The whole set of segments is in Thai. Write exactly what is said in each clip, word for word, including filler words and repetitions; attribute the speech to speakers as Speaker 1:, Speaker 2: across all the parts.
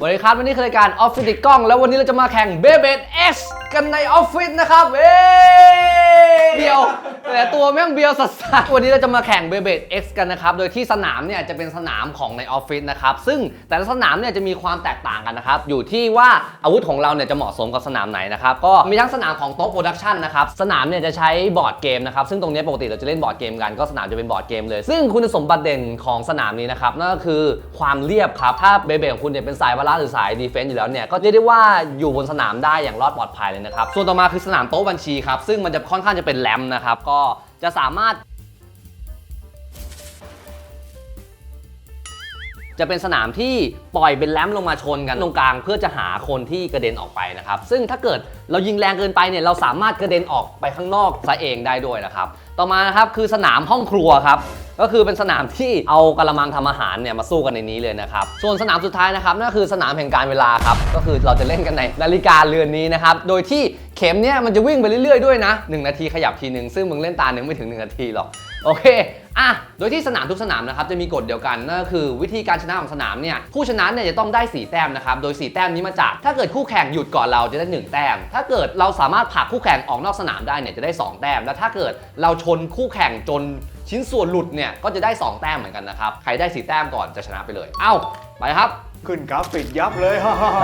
Speaker 1: วันนี้ครับวันนี้คือรายการออฟฟิศติดกล้องแล้ววันนี้เราจะมาแข่งเบเบด X กันในออฟฟิศนะครับเอ้เดียวแต่ตัวแม่งเบียวสัสๆวันนี้เราจะมาแข่งเบเบด X กันนะครับโดยที่สนามเนี่ยจะเป็นสนามของในออฟฟิศนะครับซึ่งแต่ละสนามเนี่ยจะมีความแตกต่างกันนะครับอยู่ที่ว่าอาวุธของเราเนี่ยจะเหมาะสมกับสนามไหนนะครับก็มีทั้งสนามของโต๊ะโปรดักชันนะครับสนามเนี่ยจะใช้บอร์ดเกมนะครับซึ่งตรงนี้ปกติเราจะเล่นบอร์ดเกมกันก็สนามจะเป็นบอร์ดเกมเลยซึ่งคุณสมบัติเด่นของสนามนี้นะครับนั่นก็คือความเรียบครับถ้าเบเบดของคุณเนี่ยเป็นสายบาลานซ์หรือสายดีเฟนซ์อยู่แล้วเนี่ยก็เรียกได้ว่าอยู่บนสนามได้อย่างรอดปลอดภัยเลยนะครับส่วนต่อมาคือสนามโต๊ะบัญชีครับซึ่งมันจะค่อนข้างจะเป็นแรมนะครับก็จะสามารถจะเป็นสนามที่ปล่อยเป็นแรมลงมาชนกันตรงกลางเพื่อจะหาคนที่กระเด็นออกไปนะครับซึ่งถ้าเกิดเรายิงแรงเกินไปเนี่ยเราสามารถกระเด็นออกไปข้างนอกซะเองได้ด้วยนะครับต่อมานะครับคือสนามห้องครัวครับก็คือเป็นสนามที่เอากระมังทำอาหารเนี่ยมาสู้กันในนี้เลยนะครับส่วนสนามสุดท้ายนะครับนั่นคือสนามแห่งการเวลาครับก็คือเราจะเล่นกันในนาฬิกาเรือนนี้นะครับโดยที่เข็มเนี่ยมันจะวิ่งไปเรื่อยๆด้วยนะหนึ่งนาทีขยับทีนึงซึ่งมึงเล่นตาหนึ่งไม่ถึงหนึ่งนาทีหรอกโอเคอ่ะโดยที่สนามทุกสนามนะครับจะมีกฎเดียวกันนั่นก็คือวิธีการชนะของสนามเนี่ยผู้ชนะเนี่ยจะต้องได้สี่แต้มนะครับโดยสี่แต้มนี้มาจากถ้าเกิดคู่แข่งหยุดก่อนเราจะได้หนึ่งแต้มถ้าเกิดเราสามารถผลักคู่แข่งออกนอกสนามได้เนี่ยจะได้สองแต้มและถ้าเกิดเราชนคู่แข่งจนชิ้นส่วนหลุดเนี่ยก็จะได้สองแต้มเหมือนกันนะครับใครได้สี่แต้มก่อนจะชนะไปเลยเอ้าไปครับ
Speaker 2: ขึ้นกราฟิกยับเลย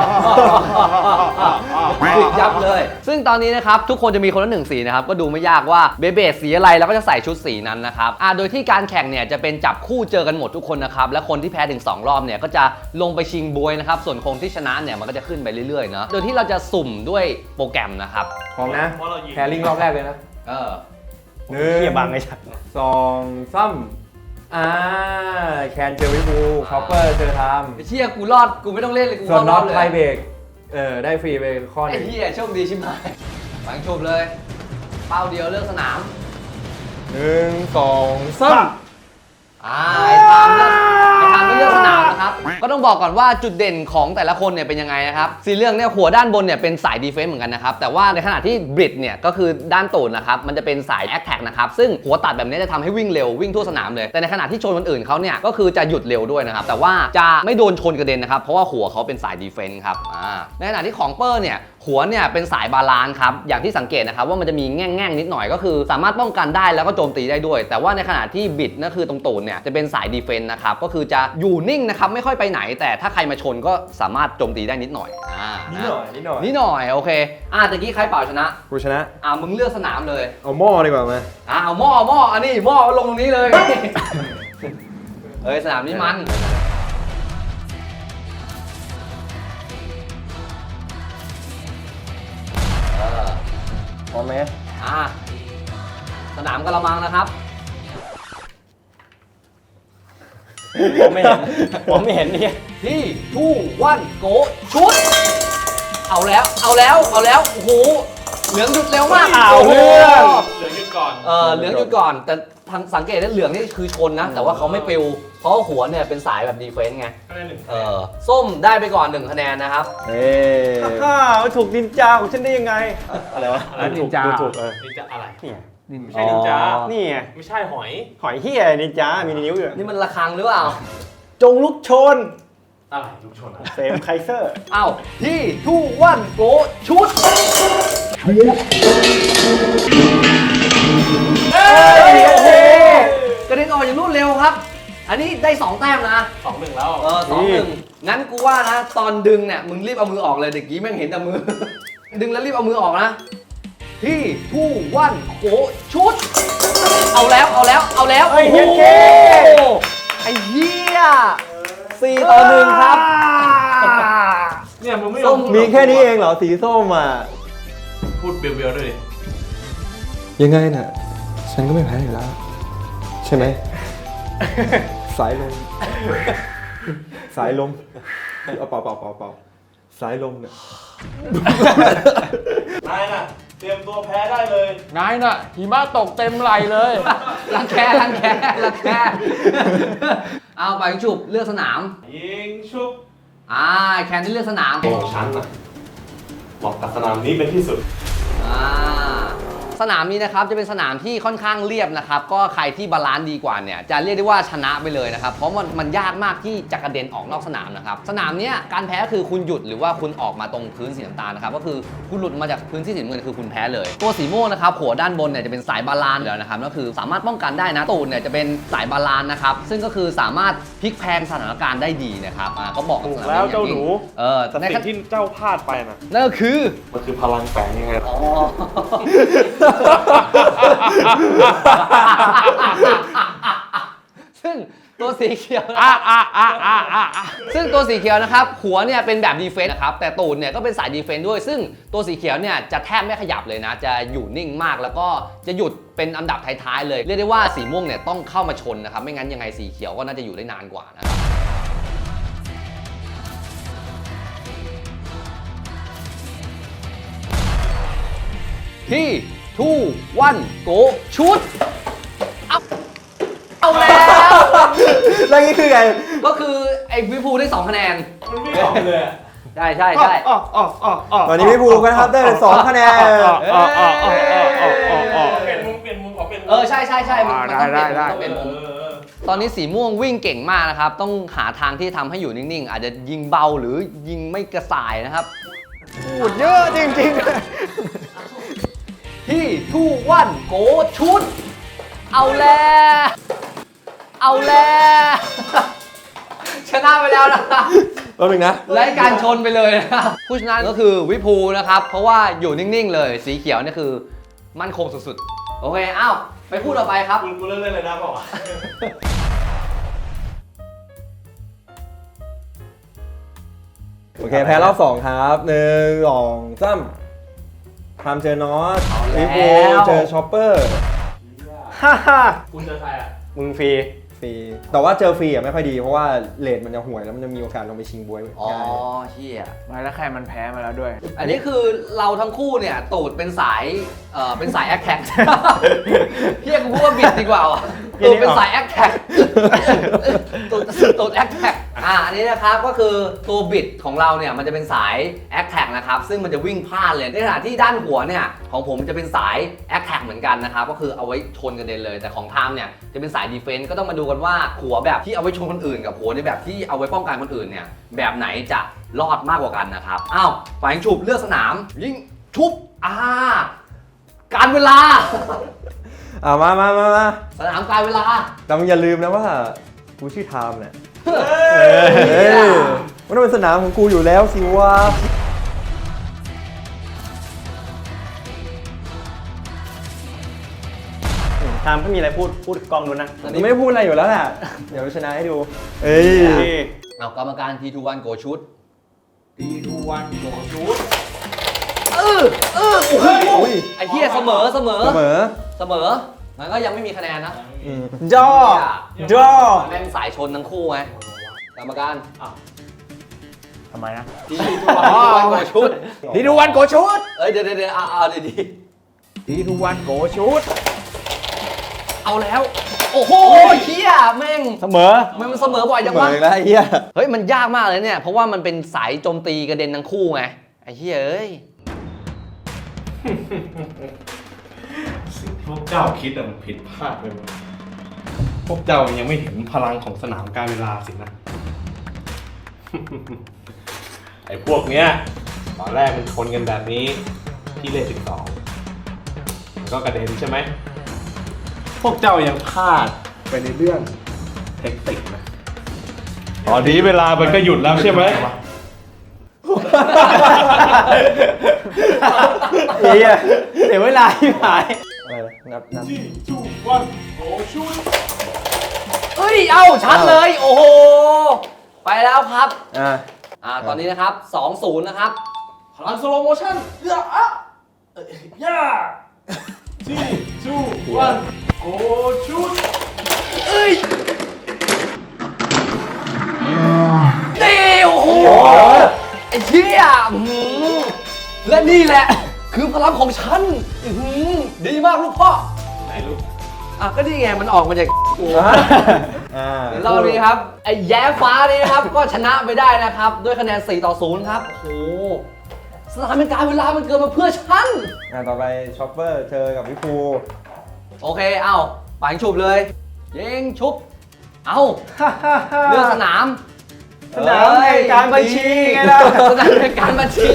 Speaker 1: ปิดยับเลยซึ่งตอนนี้นะครับทุกคนจะมีคนละหนึ่งสีนะครับก็ดูไม่ยากว่าเบเบดสีอะไรแล้วก็จะใส่ชุดสีนั้นนะครับอ่าโดยที่การแข่งเนี่ยจะเป็นจับคู่เจอกันหมดทุกคนนะครับและคนที่แพ้ถึงสองรอบเนี่ยก็จะลงไปชิงบวยนะครับส่วนคนที่ชนะเนี่ยมันก็จะขึ้นไปเรื่อยๆเนาะโดยที่เราจะสุ่มด้วยโปรแกรมนะครับ
Speaker 2: พร้อมนะแคริ่งรอบแรกเลยนะ
Speaker 1: เออ
Speaker 2: หนึ่งเขี่ยบังไอ้ชัดสองซ้ำอ่าแคนเจอวิบูคอปเปอร์เจอทาม
Speaker 1: ไอ้เชี่ยกูรอดกูไม่ต้องเล่นเลยกู
Speaker 2: ส่วนน็อต
Speaker 1: เลย
Speaker 2: ไทเบรกเออได้ฟรีไปข้อหนึ่ง
Speaker 1: ไอ้เหี้ยโชคดีชิบหายฝังชมเลยเป้าเดียวเลือกสนาม
Speaker 2: หนึ่งสองซ้ำ
Speaker 1: อ่าไอ้ทามเลือกไอ้ทามไม่เลือกสนามนะครับก็ต้องบอกก่อนว่าจุดเด่นของแต่ละคนเนี่ยเป็นยังไงนะครับสีเหลืองเนี่ยหัวด้านบนเนี่ยเป็นสายดีเฟนซ์เหมือนกันนะครับแต่ว่าในขณะที่บริดเนี่ยก็คือด้านตูดนะครับมันจะเป็นสายแอคแท็กนะครับซึ่งหัวตัดแบบนี้จะทำให้วิ่งเร็ววิ่งทั่วสนามเลยแต่ในขณะที่ชนคนอื่นเขาเนี่ยก็คือจะหยุดเร็วด้วยนะครับแต่ว่าจะไม่โดนชนกระเด็นนะครับเพราะว่าหัวเขาเป็นสายดีเฟนซ์ครับอ่าในขณะที่ของเปอร์เนี่ยหัวเนี่ยเป็นสายบาลานซ์ครับอย่างที่สังเกตนะครับว่ามันจะมีแง่งๆนิดหน่อยก็คือสามารถป้องกันได้แล้วก็โจมตีได้ด้วยแต่ว่าในขณะที่บิดนั่นคือตรงตูดเนี่ยจะเป็นสายดีเฟนซ์นะครับก็คือจะอยู่นิ่งนะครับไม่ค่อยไปไหนแต่ถ้าใครมาชนก็สามารถโจมตีได้นิดหน่อยอ่า
Speaker 2: นิดหน่อยนิดหน่อย
Speaker 1: นิดหน่อยโอเคอ่าตะกี้ใครเป่าชนะ
Speaker 2: กูชนะ
Speaker 1: อ่ามึงเลือกสนามเลย
Speaker 2: เอาหม้อดีกว่าไหม
Speaker 1: อ่าเอาหม้อหม้ออันนี้หม้อลงตรงนี้เลยเอ้ยสนามนี้มัน
Speaker 2: พร้อมไหม
Speaker 1: อ่าสนามกระมังนะครับ
Speaker 2: ผมไม่เห็นผมไม่เห็นนี่
Speaker 1: ที่ทูวันโกชุดเอาแล้วเอาแล้วเอาแล้วโอ้โหเหลืองหยุดเร็วมาก
Speaker 2: เอาเรื่อง
Speaker 3: เหลืองหยุดก่อน
Speaker 1: เออเหลืองหยุดก่อนแต่ทางสังเกตได้เหลืองนี่คือชนนะแต่ว่าเขาไม่ปิวเพราะหัวเนี่ยเป็นสายแบบดีเฟนซ์ไงเออส้มได้ไปก่อนหนึ่งคะแนนนะครับ
Speaker 2: เฮ้ฮ่ามันถูกนินจาของฉันได้ยังไงอะไรวะนินจา
Speaker 3: ถูกเออนินจาอะไร
Speaker 2: นี่
Speaker 3: ไม่ใช่นินจา
Speaker 2: นี่ไง
Speaker 3: ไม่ใช่หอย
Speaker 2: หอยเหี้ยนินจามีนิ้วอยู่
Speaker 1: นี่มันระฆังหรือเปล่า
Speaker 2: จงลุกชน
Speaker 3: อะไรลุกชน
Speaker 2: เซมไคเซอร์
Speaker 1: อ้าวที่ทูวันโกชุดชุดเฮ้ยโอเคกระเด็นออกอย่างรวดเร็วครับอันนี้ได้สองแต้มนะ
Speaker 3: สองหนึ่งแล้ว
Speaker 1: เออสองหนึ่งงั้นกูว่านะตอนดึงเนี่ยมึงรีบเอามือออกเลยเด็กกี้แม่งเห็นแต่มือดึงแล้วรีบเอามือออกนะที่ทูวันโกชุดเอาแล้วเอาแล้วเอาแล้ว
Speaker 2: โอ้โห
Speaker 1: ไอ้เหี้ยสี่ต่อหนึ่งครับ
Speaker 3: เนี่ยมึงไม่
Speaker 2: มีแค่นี้เองเหรอสีส้มอ่ะ
Speaker 3: พูดเบียวๆด้วยดิ
Speaker 2: ยังไงน่ะฉันก็ไม่แพ้อยู่แล้วใช่ไหมสายลมสายลมเอาเป่าเป่าเป่าเป่าสายลมเนี่ย
Speaker 3: นายน่ะเตรียมตัวแพ้ได้เลย
Speaker 4: นายน่ะหิมะตกเต็มไหลเลย
Speaker 1: รังแครังแครังแคเอาไปฉุบเลือกสนาม
Speaker 3: ยิงชุบ
Speaker 1: อ่าแคนที่เลือกสนาม
Speaker 3: ของฉันน่ะบอกกับสนามนี้เป็นที่สุด
Speaker 1: อ่าสนามนี้นะครับจะเป็นสนามที่ค่อนข้างเรียบนะครับก็ใครที่บาลานซ์ดีกว่าเนี่ยจะเรียกได้ว่าชนะไปเลยนะครับเพราะมันมันยากมากที่จะกระเด็นออกนอกสนามนะครับสนามเนี้ยการแพ้คือคุณหยุดหรือว่าคุณออกมาตรงพื้นสีน้ำตาลนะครับก็คือคุณหลุดมาจากพื้นที่สีน้ำเงินคือคุณแพ้เลยตัวสีม่วงนะครับหัวด้านบนเนี่ยจะเป็นสายบาลานซ์แล้วนะครับก็คือสามารถป้องกันได้นะตูดเนี่ยจะเป็นสายบาลานซ์นะครับซึ่งก็คือสามารถพลิกแพลงสถานการณ์ได้ดีนะครับอ่าก็บอกกับ
Speaker 3: ถูก
Speaker 1: สนาม
Speaker 3: แล้ว
Speaker 1: นี้อย่
Speaker 3: เจ้าง หนู
Speaker 1: ยิ่งเออ
Speaker 3: แต่
Speaker 1: ใน
Speaker 3: สิ่งที่เจ้าพลาดไปน่ะ
Speaker 1: นั่นก็คือ
Speaker 3: มันคือพลังแฝงยังไง
Speaker 1: อ๋อ ซึ่งตัวสีเขียวอ่ะอ่ะอ่ะอ่ะอ่ะซึ่งตัวสีเขียวนะครับหัวเนี่ยเป็นแบบดีเฟนส์นะครับแต่ตูดเนี่ยก็เป็นสายดีเฟนส์ด้วยซึ่งตัวสีเขียวเนี่ยจะแทบไม่ขยับเลยนะจะอยู่นิ่งมากแล้วก็จะหยุดเป็นอันดับท้ายๆเลยเรียกได้ว่าสีม่วงเนี่ยต้องเข้ามาชนนะครับไม่งั้นยังไงสีเขียวก็น่าจะอยู่ได้นานกว่านะครับที่ทูวันโกชุดเอาเอาแล้ว
Speaker 2: แล้วนี่คือไง
Speaker 1: ก็คือไอ้วิภูได้สองคะแนน
Speaker 3: มันไม่ออกเลยอะ
Speaker 1: ใช่ใช่ใช่
Speaker 3: อ๋ออ๋ออ๋ออ๋อ
Speaker 2: ตอนนี้พี่ภูก็นะครับได้เป็นสองคะแนน
Speaker 3: อ๋ออ๋ออ๋ออ๋ออ๋ออ๋อเปลี่ยนมุมเปลี่ยนมุมขอเปลี่ยนมุม
Speaker 1: เออใช่ใช่ใช่มันมันต้องเปลี่ยน
Speaker 4: ได้
Speaker 1: มุมต้องเปลี่ยนมุม
Speaker 3: เออเออ
Speaker 1: ตอนนี้สีม่วงวิ่งเก่งมากนะครับ ต้องหาทางที่ทำให้อยู่นิ่งๆ อาจจะยิงเบาหรือยิงไม่กระส่ายนะครับ
Speaker 4: พูดเยอะจริง
Speaker 1: ที่ทูวันโกชุด เอาแล้วเอาแล้วชนะไปแล้วนะครับ
Speaker 2: ตัวหนึ่งนะ
Speaker 1: ไล่การชนไปเลยนะครับผู้ชนะก็คือวิภูนะครับ เพราะว่าอยู่นิ่งๆเลย สีเขียวนี่คือมั่นคงสุดๆ โอเค อ้าว ไปคู่ต่อไปครับ
Speaker 3: กูกูเลิกเล่นเลยนะบอกว่า
Speaker 2: โอเคแพ้รอบสองครับหนึ่งสองสามทำเจอนอส
Speaker 1: เอาแล้ว
Speaker 2: พี่ภูเจอช็อปเปอร์ฮ่าฮ่า
Speaker 3: คุณเจอใครอ่ะ
Speaker 2: มึงฟรีฟรีแต่ว่าเจอฟรีอ่ะไม่ค่อยดีเพราะว่าเลทมันจะห่วยแล้วมันจะมีโอกาสลงไปชิงบวย
Speaker 1: อ๋อ
Speaker 2: ง่าย
Speaker 1: เชี่ย
Speaker 4: ๆมาแล้วใครมันแพ้มาแล้วด้วย
Speaker 1: อันนี้คือเราทั้งคู่เนี่ยตูดเป็นสาย เอ่อ เป็นสายแอคแท็ก พี่กูพูดว่าบิดดีกว่าว่ะตูดเป็นสายแอคแท็ก ตูดตูดแอคแท็ก อ่า อันนี้นะครับก็คือตัวบิดของเราเนี่ยมันจะเป็นสายแอคแท็กนะครับ ซึ่งมันจะวิ่งพลาดเลย ในขณะที่ด้านหัวเนี่ยของผมจะเป็นสายแอคแท็กเหมือนกันนะครับ ก็คือเอาไว้ชนกันเด็นเลย แต่ของไทม์เนี่ยจะเป็นสายดีเฟนส์ก็ต้องมาดูกันว่าหัวแบบที่เอาไว้ชนคนอื่นกับหัวในแบบที่เอาไว้ป้องกันคนอื่นเนี่ยแบบไหนจะรอดมากกว่ากันนะครับ อ้าวฝ่ายยิงฉุบเลือกสนาม ยิงชุบ อ่า การเวลา
Speaker 2: อ่ามามามามา
Speaker 1: สนามการเวลา
Speaker 2: แต่มึงอย่าลืมนะว่ากูชื่อไทม์เนี่ย
Speaker 1: เฮ้
Speaker 2: เฮ้
Speaker 1: ย
Speaker 2: ยมันต้องเป็นสนามของกูอยู่แล้วสิวะ
Speaker 5: ทามถ้ามีอะไรพูดพูดกล้องนู้นนะ
Speaker 1: อัน
Speaker 2: มึ
Speaker 1: นี้
Speaker 2: งไม่พูดอะไรอยู่แล้วแหละเดี๋ยวชนะให้ดู เอ้ย
Speaker 1: เอากรรมการทีทูวันโกชุด
Speaker 3: ดีทูวันโกชุด
Speaker 1: เออเออโอ้โห
Speaker 2: อุ้ย
Speaker 1: ไอ้เหี้ยเสมอเสมอ
Speaker 2: เสมอ
Speaker 1: เสมอมันก็ยังไม่มีคะแนนนะ
Speaker 2: อืม
Speaker 5: ย่อ ย่อ
Speaker 1: แม่งสายชนทั้งคู่ไงกรรมการ
Speaker 4: ทำไมนะ
Speaker 1: ทีทูวันโกชุด
Speaker 4: ดีดูวันโกชุด
Speaker 1: เอ้ยเดี๋ยวเดี๋ยวเดี๋ยวเอาเอาดีดี
Speaker 4: ดีดูวันโกชุด
Speaker 1: ๆเอาแล้ว โอ้โหเหี้ยแม่ง
Speaker 5: เสมอ
Speaker 1: มันมันเสมอบ่อยจัง
Speaker 2: เสม
Speaker 1: วะ
Speaker 2: อแล้วไอ้เหี้ย
Speaker 1: เฮ้ยมันยากมากเลยเนี่ย เพราะว่ามันเป็นสายโจมตีกระเด็นทั้งคู่ไง ไอ้เฮ้ยเอ้ย
Speaker 3: สิ่งที่พวกเจ้าคิดอะมันผิดพลาดไปหมดพวกเจ้ายังไม่เห็นพลังของสนามการเวลาสินะ ไอ้พวกเนี้ยตอนแรกมันชนกันแบบนี้ที่เลขสิบสองก็กระเด็นใช่ไหม พวกเจ้ายังพลาดไปในเรื่องเทคนิคนะตอนนี้เวลามันก็หยุดแล้วใช่ไหม
Speaker 5: เฮียเดี๋ยวเวลาที่หาย
Speaker 2: อะไรนะนับนับ
Speaker 3: ที่จูวันโกชุด
Speaker 1: เอ้ย เอ้าชัดเลย โอ้โห ไปแล้วครับ
Speaker 2: อ่า
Speaker 1: อ่า ตอนนี้นะครับ สองศูนย์ นะครับ
Speaker 3: พลังสโลโมชั่นเอื้ออะเอ้ยย่าที่จูวันโกชุด
Speaker 1: เอ้ยนี่โอ้โห ไอ้เชี่ยอื้อหือและนี่แหละ คือพลังของฉันอื้อหือดีมากลูกพ่อ
Speaker 3: ไหนลูก
Speaker 1: อ่ะ ก็นี่ไง มันออกมาจากกู
Speaker 2: อ่า
Speaker 1: เดี๋ยวรอบนี้ครับ ไอ้แย้ฟ้านี่นะครับ ก็ชนะไปได้นะครับ ด้วยคะแนนสี่ต่อศูนย์ครับ โอ้โหสถานการณ์เวลามันเกิดมาเพื่อฉัน
Speaker 2: งานต่อไปช็อปเปอร์เจอกับพี่ภู
Speaker 1: โอเค เอาปังฉุบเลยยิงชุบ เอาเลือกสนาม
Speaker 5: สนามแห่งการบัญชีไงล่ะ
Speaker 1: สนามแห่งการบัญชี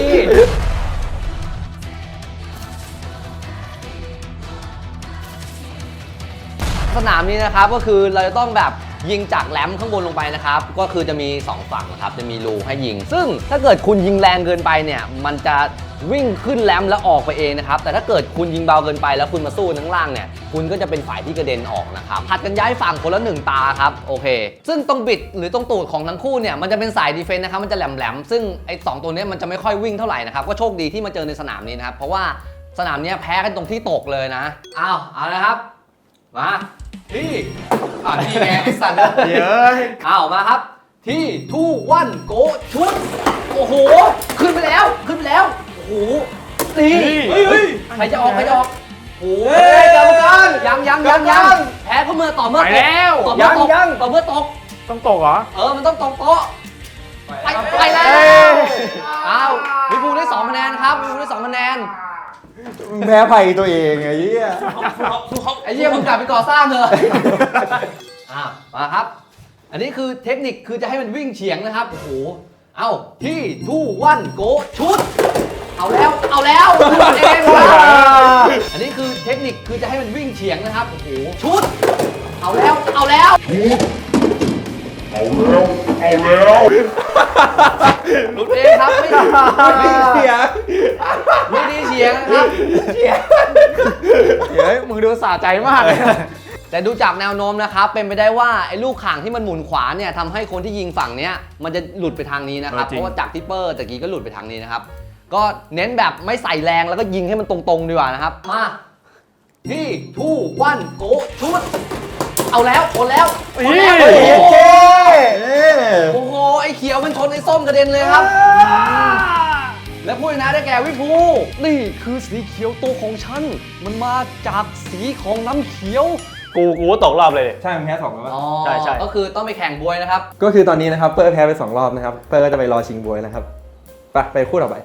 Speaker 1: สนามนี้นะครับก็คือเราจะต้องแบบยิงจากแหลมข้างบนลงไปนะครับก็คือจะมีสองฝั่งนะครับจะมีรูให้ยิง ซึ่งถ้าเกิดคุณยิงแรงเกินไปเนี่ยมันจะวิ่งขึ้นแหลมแล้วออกไปเองนะครับแต่ถ้าเกิดคุณยิงเบาเกินไปแล้วคุณมาสู้ข้างล่างเนี่ยคุณก็จะเป็นฝ่ายที่กระเด็นออกนะครับผัดกันย้ายฝั่งคนละหนึ่งตาครับโอเคซึ่งตรงบิดหรือตรงตูดของทั้งคู่เนี่ยมันจะเป็นสายดีเฟนส์นะครับมันจะแหลมๆซึ่งไอ้สองตัวนี้มันจะไม่ค่อยวิ่งเท่าไหร่นะครับก็โชคดีที่มาเจอในสนามนี้นะครับเพราะว่าสนามนี้แพ้กันตรงที่ตกเลยนะอ้าวเอาละครับมาที่อ่าที่ไงไอ้สัตว์เยอะเอามาครับที่ทูวันโกชุดโอ้โหขึ้นไปแล้วขึ้นไปแล้วโอ้โหนี่เฮ้ยใครจะออกใครจะออกโอ้ยกรรมการยังยังยังยังแพ้ก็เมื่อต่อเมื่อตกต่อเมื่อตกต่อเมื่อตก
Speaker 4: ต้องตกเหรอ
Speaker 1: เออมันต้องตกโต๊ะไปไปแล้วอ้าววิภูได้สองคะแนนครับวิภูได้สองคะแนน
Speaker 2: แพ้ภัยตัวเองไอ้เหี้ย
Speaker 1: ไอ้เหี้ยมึงกลับไปก่อสร้างเถอะ อ่ะมาครับ อันนี้คือเทคนิคคือจะให้มันวิ่งเฉียงนะครับ โอ้โห เอาที่ทูวันโกชุด เอาแล้ว เอาแล้วเองครับอันนี้คือเทคนิคคือจะให้มันวิ่งเฉียงนะครับ โอ้โห ชุด เอาแล้ว เอาแล้ว เอาแล้ว เอาแล้วลุดเองครับ ไม่ไม่เฉียงไม่ได้เฉียงนะครับเฉียง
Speaker 4: เฮ้ย มึงดูสะใจมากเลย
Speaker 1: แต่ดูจากแนวโน้มนะครับเป็นไปได้ว่าไอ้ลูกข่างที่มันหมุนขวาเนี่ยทำให้คนที่ยิงฝั่งเนี้ยมันจะหลุดไปทางนี้นะครับ
Speaker 4: เออจริง
Speaker 1: เพราะว่าจากทิปเปอร์ตะกี้ก็หลุดไปทางนี้นะครับก็เน้นแบบไม่ใส่แรงแล้วก็ยิงให้มันตรงๆดีกว่านะครับมาที่ทูวันโกชุดเอาแล้วโอนแล้วโอนแล้วโอ้โหโอ้โหไอ้เขียวมันชนไอ้ส้มกระเด็นเลยครับและผู้ชนะได้แก่วิภูนี่คือสีเขียวตัวของฉันมันมาจากสีของน้ำเขียว
Speaker 5: กูกูก็ตกรอบเลยดิ
Speaker 2: ใช่มันแพ้สองแล้ว
Speaker 1: อ๋อ
Speaker 5: ใช่ใช่
Speaker 1: ก็คือต้องไปแข่งบวยนะครับ
Speaker 2: ก็คือตอนนี้นะครับเปอร์แพ้ไปสองรอบนะครับเปอร์ก็จะไปรอชิงบวยนะครับไปไปคู่ต่อไป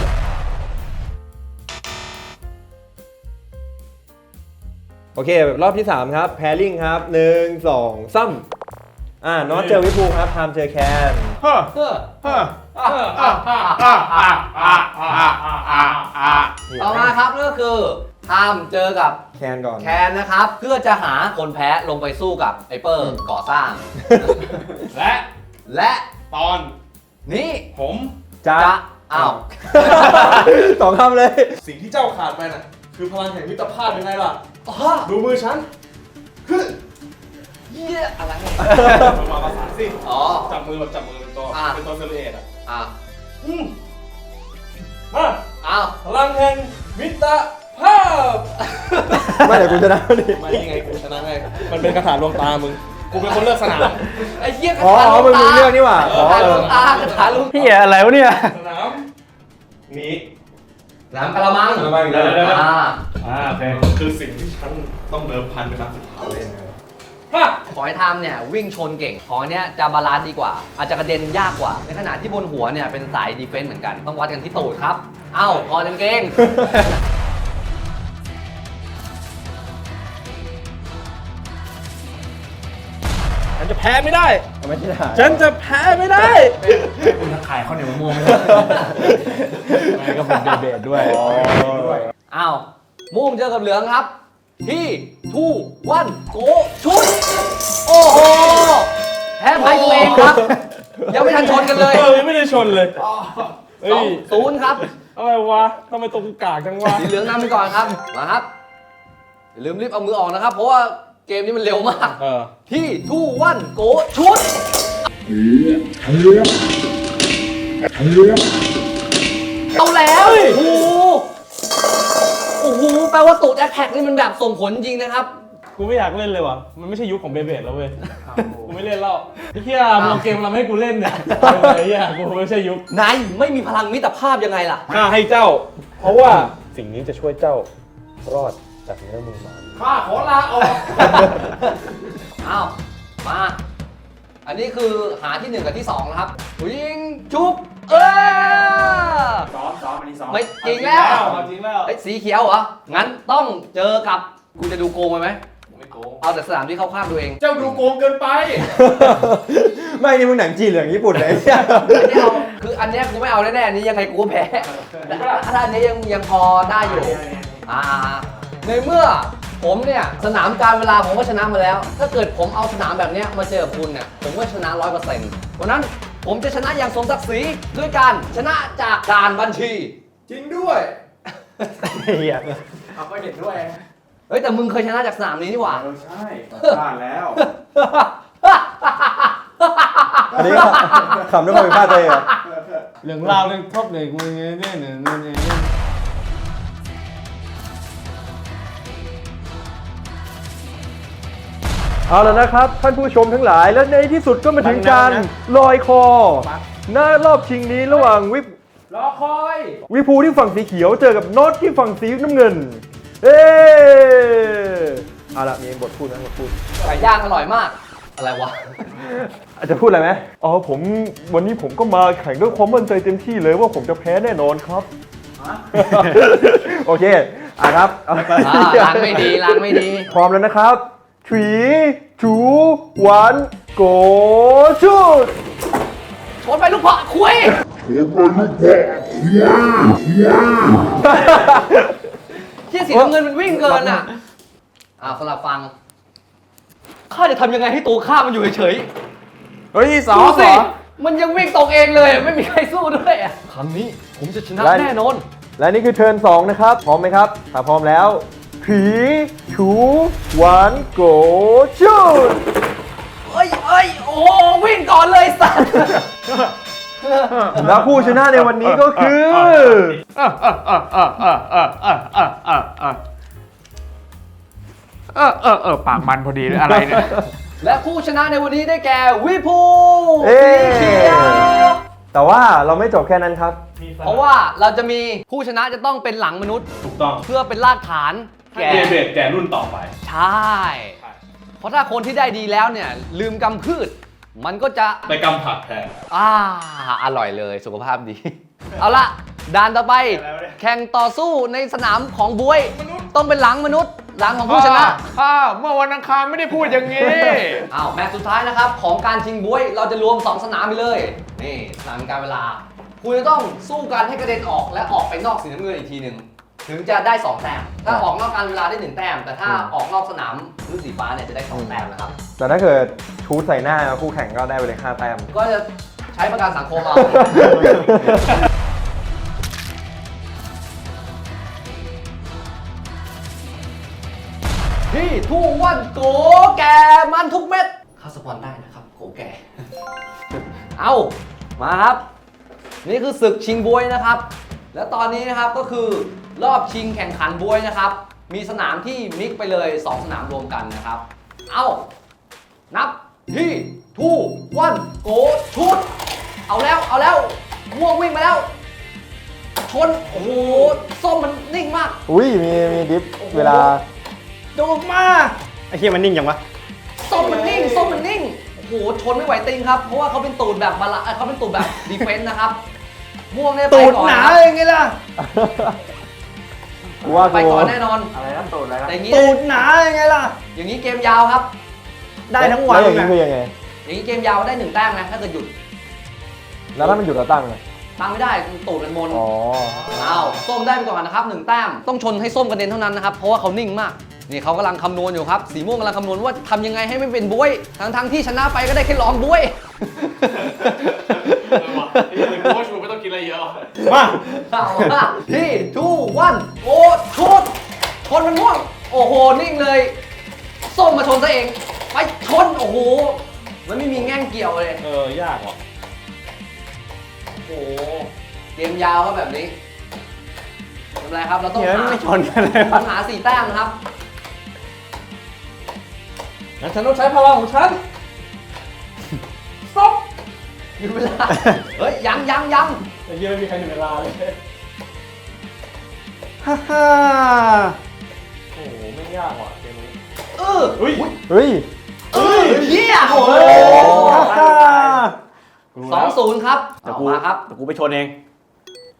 Speaker 2: โอเครอบที่สามครับแพริงครับหนึ่งสองซ้ำอ่าน็อตเจอวิภูครับไทม์เจอแคน
Speaker 4: เฮ้อ
Speaker 1: เฮ้อ
Speaker 4: เฮ้อ
Speaker 1: อ่ะอ่ะอ่ะอ่ะอ่ะอ่ะอ่ะอ่ะอ่ะต่อมาครับก็คือทามเจอกับ
Speaker 2: แคนก่อน
Speaker 1: แคนนะครับ เพื่อจะหาคนแพ้ลงไปสู้กับไอเปอร์ก่อสร้าง
Speaker 3: และ
Speaker 1: และ
Speaker 3: ตอน
Speaker 1: นี่
Speaker 3: ผม
Speaker 2: จ้า
Speaker 1: จะอ้าว
Speaker 2: สองคำเลย
Speaker 3: สิ่งที่เจ้าขาดไปน่ะคือพลังแห่งมิตรภาพยังไงล่ะ
Speaker 1: อ๋อ
Speaker 3: ดูมือฉันฮึ
Speaker 1: เยี่ยอะไร
Speaker 3: มาภาษานสิ
Speaker 1: อ๋อ
Speaker 3: จับมือแบบจับมือเป็นตัว
Speaker 1: อ่ะ
Speaker 3: เป็นตัวเซลลูเอตอ่ะ
Speaker 1: อ่ะ
Speaker 3: อืมมา
Speaker 1: อ้าว
Speaker 3: พลังแห่งมิตรภาพ
Speaker 2: ไม่เดี๋ยวกูจะนะดิ
Speaker 3: ไม่ยังไงกูชนะไงมันเป็นกระถางดวงตามึงกูเป็นคนเลือกสนาม
Speaker 1: ไอ้เหี้ยกระ
Speaker 2: อ๋อ
Speaker 1: ถาง
Speaker 2: อ๋อ
Speaker 1: ลู
Speaker 2: มึง
Speaker 1: ก
Speaker 2: มึง
Speaker 1: ตา
Speaker 2: เลือกนี่หว่าอ๋อก
Speaker 1: ระถาง
Speaker 2: เอ
Speaker 1: ลู
Speaker 2: อก
Speaker 1: ตากระถางลูก
Speaker 5: เฮียอะไรวะเนี่ย
Speaker 3: สนามนี้
Speaker 1: น้ำกระมัง
Speaker 2: กระมังอีกแล้ว
Speaker 1: อ่า
Speaker 3: อ่าโอเคคือสิ่งที่ฉันต้องเดิมพันเป็นครั้งสุดท้ายเลยนะ
Speaker 1: ขอให้ทำเนี่ยวิ่งชนเก่งของเนี้ยจะบาลานซ์ดีกว่า อาจจะกระเด็นยากกว่า ในขณะที่บนหัวเนี่ยเป็นสายดีเฟนส์เหมือนกัน ต้องวัดกันที่ตูดครับ เอ้าพอเต็มเกง
Speaker 3: ฉันจะแพ้ไม่ได้
Speaker 2: ไม่ใช่ถ่าย
Speaker 3: ฉันจะแพ้ไม่ได้
Speaker 4: คุณทักขายข้าวเหนียวมะม่วงไม่ได้ไม่ก็เป็นเบสด้วย
Speaker 1: อ้าวม่วงเจอกับเหลืองครับ ที่ทูวันโกชุด โอ้โห แพ้ไพ่ตัวเองครับ ยังไม่ทันชนกันเลย
Speaker 3: เออยังไม่ได้ชนเลยเฮ้
Speaker 1: สอง
Speaker 3: ย
Speaker 1: ศูนย์ครับ
Speaker 3: อะไรวะทำไมตรงกากจังวะ
Speaker 1: สีเหลืองนำไปก่อนครับ มาครับอย่าลืมรีบเอามือออกนะครับ เพราะว่าเกมนี้มันเร็วมาก
Speaker 3: เออ
Speaker 1: ที่ทูวันโกชุดเอาแล้วโอ้โหโอ้โหแปลว่าตูดแอคแท็กนี่มันแบบส่งผลจริงนะครับ
Speaker 3: กูไม่อยากเล่นเลยว่ะมันไม่ใช่ยุคของเบเบดแล้วเว้ยกูไม่เล่นแล้วไอ้เหี้ยมึงเอาเกมเราไม่ให้กูเล่นเนี่ยไอ้เหี้ยกูไม่ใช่ยุคน
Speaker 1: ายไม่มีพลังมิตรภาพยังไงล่ะ
Speaker 3: ข้าให้เจ้า เพราะว่าสิ่งนี้จะช่วยเจ้ารอดจากเนื้อมือมาร
Speaker 1: ข้าขอลาออก อ้าว มา อันนี้คือหาที่หนึ่งกับที่สองนะครับยิงจุ๊บเออ
Speaker 4: ซ้อมซ้อมอันนี้ที่สอง
Speaker 1: ไม่จริงแล้ว
Speaker 3: เอาจริงแล้ว
Speaker 1: ไอ้ยสีเขียวเหรอ งั้นต้องเจอกับกูจะดูโกงไปไหม
Speaker 3: ไม่โกง
Speaker 1: เอาแต่สนามที่เข้าข้างตัวเอง
Speaker 3: เจ้าดูโกงเกินไป
Speaker 2: ไม่นี่มึงหนังจีนเหลืองญี่ปุ่นเลย
Speaker 1: อันนี้เอาคืออันเนี้ยกูไม่เอาแน่ๆอันนี้ยังไงกูก็แพ้แต่ถ้าอันนี้ยังยังพอได้อยู่ อ่า ในเมื่อผมเนี่ยสนามการเวลาผมก็ชนะมาแล้ว ถ้าเกิดผมเอาสนามแบบเนี้ยมาเจอกับคุณเนี่ยผมก็ชนะร้อยเปอร์เซ็นต์วันนั้นผมจะชนะอย่างสมศักดิ์ศรีด้วยการชนะจากการบัญชี
Speaker 3: จริงด้วย
Speaker 5: เหี้ย
Speaker 4: เอาก็เห็นด้วย
Speaker 1: เฮ้ยแต่มึงเคยชนะจากสนามนี้นี่หว่า
Speaker 4: เออใช่พลาดแล้ว
Speaker 2: อันนี้ขำด้วยความผิดพลาดตัวเองเหรอ
Speaker 4: เรื่องราวเรื่องครบเลยกูเนี่ยเนี่ยเนี่ยเนี่ยเนี่ย
Speaker 2: เอาแล้วนะครับท่านผู้ชมทั้งหลายและในที่สุดก็มาถึงการลอยคอหน้ารอบชิงนี้ระหว่างวิป
Speaker 4: รอคอย
Speaker 2: วิภูที่ฝั่งสีเขียวเจอกับโน็อตที่ฝั่งสีน้ำเงิน เอ๊เอาละมีบทพูดนะบทพูด
Speaker 1: ไก่ย่างอร่อยมาก อะไรวะ
Speaker 2: อาจจะพูดอะไรไหมอ๋อผมวันนี้ผมก็มาแข่งด้วยความมั่นใจเต็มที่เลยว่าผมจะแพ้แน่นอนครับ โอเคอ่ะครับเอา
Speaker 1: อ่าล้างไม่ดีล้างไม่ดี
Speaker 2: พร้อมแล้วนะครับ three two one go shoot
Speaker 1: ชนไปลูกเพาะคุยเชี่ยสีน้ำเงินมันวิ่งเกินอ่ะอ่าสลับฟังข้าจะทำยังไงให้ตัวข้ามันอยู่เฉย
Speaker 2: เฮ้ยส
Speaker 1: ๆ
Speaker 2: อง
Speaker 1: ดู
Speaker 2: ส
Speaker 1: สิ
Speaker 2: อง
Speaker 1: มันยังวิ่งตรงเองเลย ไม่มีใครสู้ด้วยอ่ะครั้งนี้ผมจะชนะแน่นอน
Speaker 2: และนี่คือเทิร์นสองนะครับ พร้อมไหมครับ ถ้าพร้อมแล้ว three two one go shoot
Speaker 1: เอ้ยเอ้ยโอ้วิ่งก่อนเลยสัตว์
Speaker 2: แล้วผู้ชนะในวันนี้ก็คือ
Speaker 4: เออเออเออปากมันพอดีเลยอะไรเนี่ย
Speaker 1: และผู้ชนะในวันนี้ได้แก่วิภู
Speaker 2: เอ้
Speaker 1: สีเขียว
Speaker 2: แต่ว่าเราไม่จบแค่นั้นครับ
Speaker 1: เพราะว่าเราจะมีผู้ชนะจะต้องเป็นหลังมนุษย์
Speaker 3: ถูกต้อง
Speaker 1: เพื่อเป็นรากฐานแก่
Speaker 3: เรียนเบรดแก่รุ่นต่อไป
Speaker 1: ใช่ เพราะถ้าคนที่ได้ดีแล้วเนี่ย ลืมกำพืช มันก็จะ
Speaker 3: ไปกำผักแทน
Speaker 1: อ่าอร่อยเลยสุขภาพดี เอาละด่านต่อไป แข่งต่อสู้ในสนามของบวย ต้องเป็นหลังมนุษย์หลังของผู้ชนะ
Speaker 4: ข้าเมื่อวันอังคารไม่ได้พูดอย่างนี้
Speaker 1: อ้าวแมตช์สุดท้ายนะครับ ของการชิงบวยเราจะรวม สอง สนามไปเลย นี่สนามการเวลา คุณจะต้องสู้กันให้กระเด็นออกและออกไปนอกสีน้ำเงินอีกทีหนึ่งถึงจะได้สองแต้มถ้าออกนอกการเวลาได้หนึ่งแต้มแต่ถ้าออกนอกสนามรุ่นสีฟ้าเนี่ยจะได้สองแต้มนะครับ
Speaker 2: แต่ถ้าเกิดชูดใส่หน้าคู่แข่งก็ได้ไปเลยห้าแต้ม
Speaker 1: ก็จะใช้ประกันสังคมเอา ที่ทุ่งวันโกแก่มันทุกเม็ดเข้าสปอนได้นะครับโกแก่ เอามาครับ นี่คือศึกชิงบวยนะครับ แล้วตอนนี้นะครับก็คือรอบชิงแข่งขันบวยนะครับ มีสนามที่มิกไปเลย สอง สนามรวมกันนะครับ เอานับที่ทูวันโกชุดเอาแล้วเอาแล้วม่วงวิ่งมาแล้ว ชน โอ้โห ส้มมันนิ่งมาก
Speaker 2: อุ้ยมีมีดิฟเวลา
Speaker 1: ดูมา
Speaker 5: ไอ้เหี้ยมันนิ่งจังวะ
Speaker 1: ส้มมันนิ่งส้มมันนิ่ง โอ้โห ชนไม่ไหวติงครับ เพราะว่าเขาเป็นตูดแบบบาลาเอ้ยเขาเป็นตูดแบบ ดีเฟนส์นะครับ ม่วงเนี่ยไป
Speaker 4: ตูด
Speaker 1: ก่อน
Speaker 4: หนา
Speaker 1: ครับ
Speaker 4: ยังไงล่ะ
Speaker 2: กูว่า
Speaker 1: ไป
Speaker 2: กู
Speaker 1: ก่อนแน่นอน
Speaker 4: อะไรนะตูดอะไรนะ
Speaker 1: แต่อย่างนี้
Speaker 4: ตูดหนายังไงล่ะ
Speaker 1: อย่างนี้เกมยาวครับ
Speaker 4: ได้ทั้งวัน
Speaker 2: แล้วอย่างนี้
Speaker 4: นะ
Speaker 2: คือยังไง
Speaker 1: อย่างนี้เกมยาวได้หนึ่งแต้มนะถ้าเกิดหยุด
Speaker 2: แล้วถ้ามันหยุดเราตั้งไง
Speaker 1: ตั้งไม่ได้ตูดมันมน
Speaker 2: อ๋อ
Speaker 1: อ้าวส้มได้ไปก่อนนะครับหนึ่งแต้มต้องชนให้ส้มกระเด็นเท่านั้นนะครับเพราะว่าเขานิ่งมากนี่เขากำลังคำนวณอยู่ครับสีม่วงกำลังคำนวณว่าทำยังไงให้ไม่เป็นบวยทั้งทั้งๆที่ชนะไปก็ได้แค่ลองบวย
Speaker 3: ไอ้เรื่องโค้ชมึงไม่ต้องกินอะไรเยอะ
Speaker 4: มา
Speaker 1: เอาละที่ทูวันโอ้ชุดชนมันม่วงโอ้โหนิ่งเลย ส้มมาชนซะเองไปชนโอ้โหมันไม่มีแง่งเกี่ยวเลย
Speaker 3: เออยากว่ะ
Speaker 1: โอ้โหเกมยาวก็แบบนี้ทำไรครับเราต้อง
Speaker 5: เดี๋ยว
Speaker 1: หา
Speaker 5: ไม่ชนกันเลย
Speaker 1: ต้องหาสี่แต้มนะครับงั้นฉันต้องใช้พลังของฉันสต็อปหยุดเวลา เฮ้ย ยังยังยัง
Speaker 3: ไอ้เหี้ยไม่มีใครถึงเวลาเลย
Speaker 4: ฮ่าฮ่า
Speaker 3: โอ้โหไม่ยากว่ะเกมนี้
Speaker 1: เออ
Speaker 3: เฮ้ย
Speaker 2: เฮ้ย
Speaker 1: เออเฮียโอ้โห
Speaker 4: ฮ่าฮ่า
Speaker 1: สองศูนย์ครับ
Speaker 5: เดี๋ยว
Speaker 1: เอา
Speaker 5: กู
Speaker 1: มาครับ
Speaker 5: เดี๋ยวกูไปชนเอง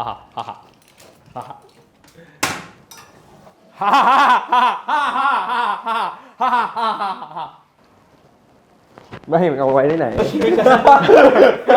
Speaker 5: ฮ่าฮ่าฮ่าฮ่าฮ่าฮ่าฮ่าฮ่าฮ่าฮ่าฮ่าฮ่าฮ่า
Speaker 2: ไม่ให้มันเอาไว้ที่ไหน